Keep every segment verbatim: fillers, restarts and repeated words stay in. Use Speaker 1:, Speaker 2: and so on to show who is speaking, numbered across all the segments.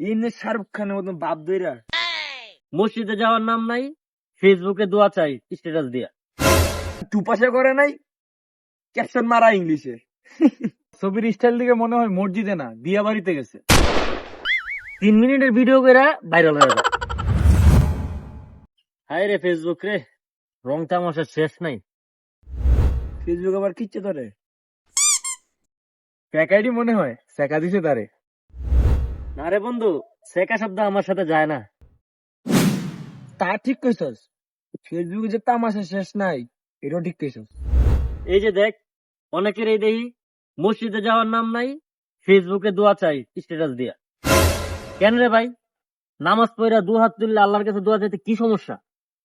Speaker 1: এমনি শাহরুখ খানের মতন বাপ দইরা
Speaker 2: মসজিদে যাওয়ার নাম নাই, ফেসবুকে দোয়া চাই স্ট্যাটাস দিয়া।
Speaker 1: টুপাশা করে নাই, ক্যাপশন মারা ইংলিশে।
Speaker 3: ছবির স্টাইল দিকে মনে হয় মসজিদে না দিয়া বাড়িতে গেছে।
Speaker 2: তিন মিনিটের ভিডিও করে ভাইরাল হয়ে যায়। হায় রে ফেসবুক রে, রং তামাশার শেষ নাই।
Speaker 1: ফেসবুক আবার কিচ্ছে ধরে।
Speaker 3: ফেক আইডি মনে হয় শেখা দিছে তারে।
Speaker 2: না রে বন্ধু, শেখা শব্দ আমার সাথে যায় না।
Speaker 1: তা ঠিক কইছস, ফেসবুকে যে তামাশা শেষ নাই, এটাও ঠিক কইছস।
Speaker 2: এই যে দেখ, অনেকের এই দেখি মসজিদে যাওয়ার নাম নাই, ফেসবুকে দোয়া চাই স্ট্যাটাস দিয়া। কেন রে ভাই, নামাজ পড়া দু হাত তুললে আল্লাহর কাছে দোয়া চাইতে কি সমস্যা?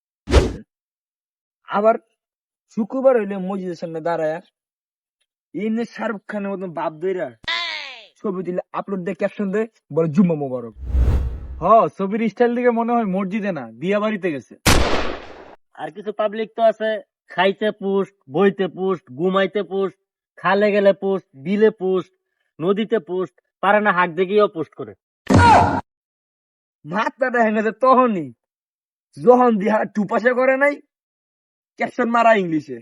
Speaker 1: আবার শুক্রবার হইলে মসজিদের সামনে দাঁড়ায় এমনি শাহরুখ খানের মতন বাপ দইরা ছবি দিলে আপলোড দিয়ে ক্যাপশন দেয়, বলে জুম্মা মোবারক।
Speaker 3: হ, ছবির স্টাইল দিকে মনে হয় মসজিদে না দিয়া বাড়িতে গেছে।
Speaker 2: আর কিছু পাবলিক তো আছে, খাইতে পোস্ট, বইতে পোস্ট, ঘুমাইতে পোস্ট, খালে গেলে পোস্ট, বিলে পোস্ট, নদীতে পোস্ট, পারে না হাঁক দেখিয়েও পোস্ট করে।
Speaker 1: মাথাটা হেনে যে তখনই যখন দিহা টুপাশা করে নাই, ক্যাপশন মারা ইংলিশে।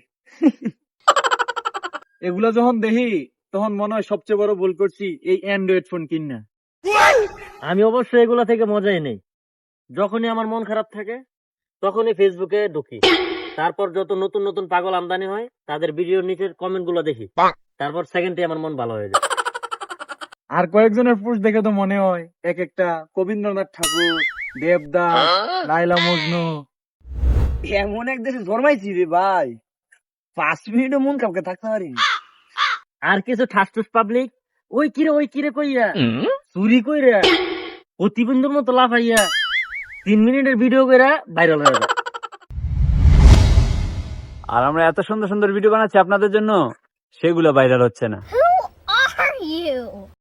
Speaker 3: এগুলা যখন দেখি তখন মনে হয় সবচেয়ে বড় ভুল করছি এই অ্যান্ড্রয়েড ফোন কিনা।
Speaker 2: আমি অবশ্য এগুলা থেকে মজাই নেই। যখনই আমার মন খারাপ থাকে তখনই ফেসবুকে ঢুকি, তারপর যত নতুন নতুন পাগল আমদানি হয় তাদের ভিডিওর নিচের কমেন্ট গুলো দেখি, তারপর সেকেন্ডে আমার মন ভালো হয়ে যায়।
Speaker 3: আর কয়েকজনের পোস্ট দেখে তো মনে হয় এক একটা কবীন্দ্রনাথ ঠাকুর, দেবদাস, লাইলা মজনু।
Speaker 1: এমন এক দেশে জন্মাইছি রে ভাই, পাঁচ মিনিটও মন কাউকে থাকতে পারি।
Speaker 2: আর কিছু ঠাসঠুস পাবলিক ওই কিরে ওই কিরে কইয়া চুরি কইরা প্রতিবন্ধুর মতো লাফাইয়া তিন মিনিটের ভিডিও কইরা ভাইরাল হয়ে যায়।
Speaker 4: আর আমরা এত সুন্দর সুন্দর ভিডিও বানাচ্ছি আপনাদের জন্য, সেগুলো ভাইরাল হচ্ছে না।